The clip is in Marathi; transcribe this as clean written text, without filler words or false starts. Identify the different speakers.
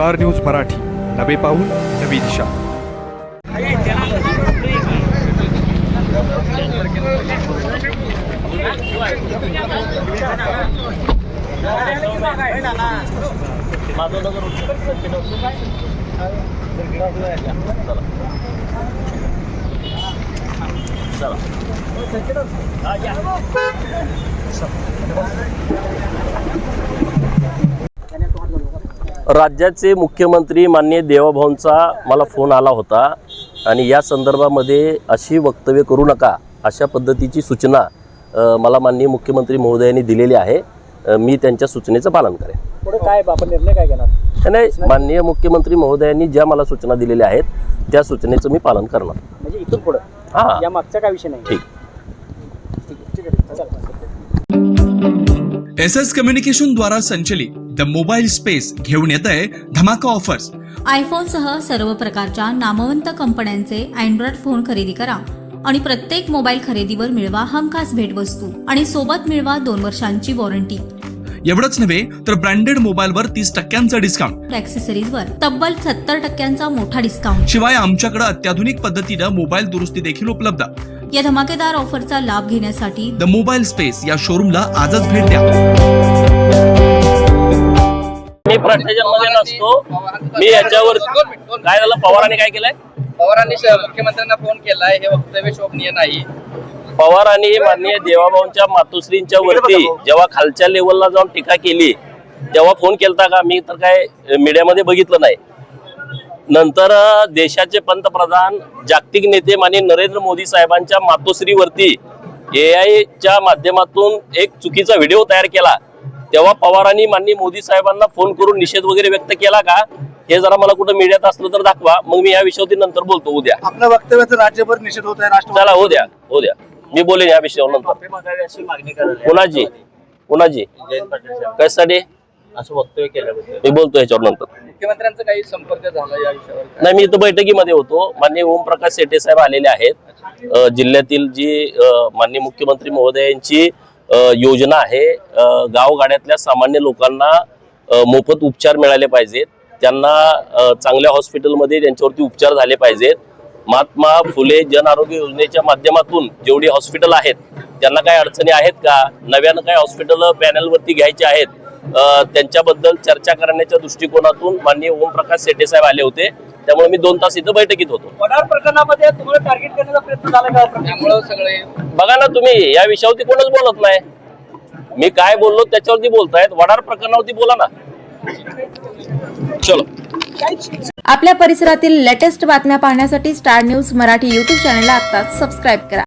Speaker 1: स्टार न्यूज मराठी, नवे पाऊल नवी दिशा।
Speaker 2: राज्याचे मुख्यमंत्री माननीय देवाभाऊंचा मला फोन आला होता आणि या संदर्भामध्ये अशी वक्तव्य करू नका अशा पद्धतीची सूचना मला माननीय मुख्यमंत्री महोदयांनी दिलेली आहे। मी त्यांच्या सूचनेचं पालन करेन।
Speaker 3: पुढे काय आपण निर्णय काय घेणार?
Speaker 2: नाही, माननीय मुख्यमंत्री महोदयांनी ज्या मला सूचना दिलेल्या आहेत त्या सूचनेचं मी पालन करणार।
Speaker 3: म्हणजे इथून पुढे
Speaker 2: हां,
Speaker 3: या मागचा काय विषय नाही।
Speaker 2: ठीक।
Speaker 4: SS कम्युनिकेशन द्वारा संचलित द मोबाईल स्पेस घेऊन येत आहे धमाका ऑफर्स।
Speaker 5: आयफोन सह सर्व प्रकारच्या नामवंत कंपन्यांचे अँड्रॉइड फोन खरेदी करा आणि प्रत्येक मोबाईल खरेदीवर मिळवा हमखास भेटवस्तू आणि सोबत मिळवा 2 वर्षांची वॉरंटी।
Speaker 4: एवढंच नव्हे तर ब्रँडेड मोबाईलवर 30% डिस्काउंट,
Speaker 5: ॲक्सेसरीजवर तब्बल 70% मोठा डिस्काउंट।
Speaker 4: शिवाय आमच्याकडे अत्याधुनिक पद्धतीनं मोबाईल दुरुस्ती देखील उपलब्ध।
Speaker 5: या धमाकेदार ऑफरचा लाभ घेण्यासाठी
Speaker 4: द मोबाईल स्पेस या शोरूमला आजच भेट द्या।
Speaker 2: मी भ्रष्टाचारामध्ये नसतो। मी याच्यावर काय झालं, पवारांनी काय केलंय?
Speaker 6: पवारांनी मुख्यमंत्र्यांना फोन केलाय, हे वक्तव्य शोभनीय नाही।
Speaker 2: पवारांनी माननीय देवाभाऊंच्या मातोश्रींच्या वरती जेव्हा खालच्या लेवलला जाऊन टीका केली तेव्हा फोन केलता का? मी तर काय मीडियामध्ये बघितलं नाही। नंतर देशाचे पंतप्रधान जागतिक नेते माननीय नरेंद्र मोदी साहेबांच्या मातोश्रीवरती AI माध्यमातून एक चुकीचा व्हिडिओ तयार केला तेव्हा पवारांनी माननीय मोदी साहेबांना फोन करून निषेध वगैरे व्यक्त केला का? हे जरा मला कुठं मीडियात असलं तर दाखवा, मग मी या विषयावरती नंतर बोलतो। उद्या
Speaker 3: आपल्या वक्तव्याचा राज्यभर निषेध होत आहे।
Speaker 2: चला हो द्या, मी बोलेन या विषयावर नंतर। कुणाची कशासाठी
Speaker 6: असं वक्तव्य केलं
Speaker 2: मी बोलतो याच्यावर नंतर।
Speaker 6: मुख्यमंत्र्यांचा काही संपर्क झाला या विषयावर?
Speaker 2: नाही, मी इथं बैठकीमध्ये होतो। माननीय ओमप्रकाश शेटे साहेब आलेले आहेत। जिल्ह्यातील जी माननीय मुख्यमंत्री महोदयांची योजना आहे, गावगाड्यातल्या सामान्य लोकांना मोफत उपचार मिळाले पाहिजेत, त्यांना चांगल्या हॉस्पिटलमध्ये त्यांच्यावरती उपचार झाले पाहिजेत। महात्मा फुले जन आरोग्य योजनेच्या माध्यमातून जेवढी हॉस्पिटल आहेत त्यांना काही अडचणी आहेत का, नव्यानं काही हॉस्पिटल पॅनलवरती घ्यायचे आहेत, त्यांच्याबद्दल चर्चा करण्याच्या दृष्टिकोनातून माननीय ओमप्रकाश शेटे साहेब आले होते। त्यामुळे मी 2 तास इथं बैठकीत होतो।
Speaker 3: वडार प्रकरणामध्ये तुम्हाला टार्गेट करण्याचा प्रयत्न झाला का?
Speaker 6: त्यामुळे सगळे
Speaker 2: बघा ना, तुम्ही या विषयावरती कोणच बोलत नाही। मी काय बोललो त्याच्यावरती बोलतायत, वडार प्रकरणावरती बोला ना। चलो।
Speaker 7: आपल्या परिसरातील लेटेस्ट बातम्या पाहण्यासाठी स्टार न्यूज मराठी YouTube चॅनलला आत्ताच सबस्क्राईब करा।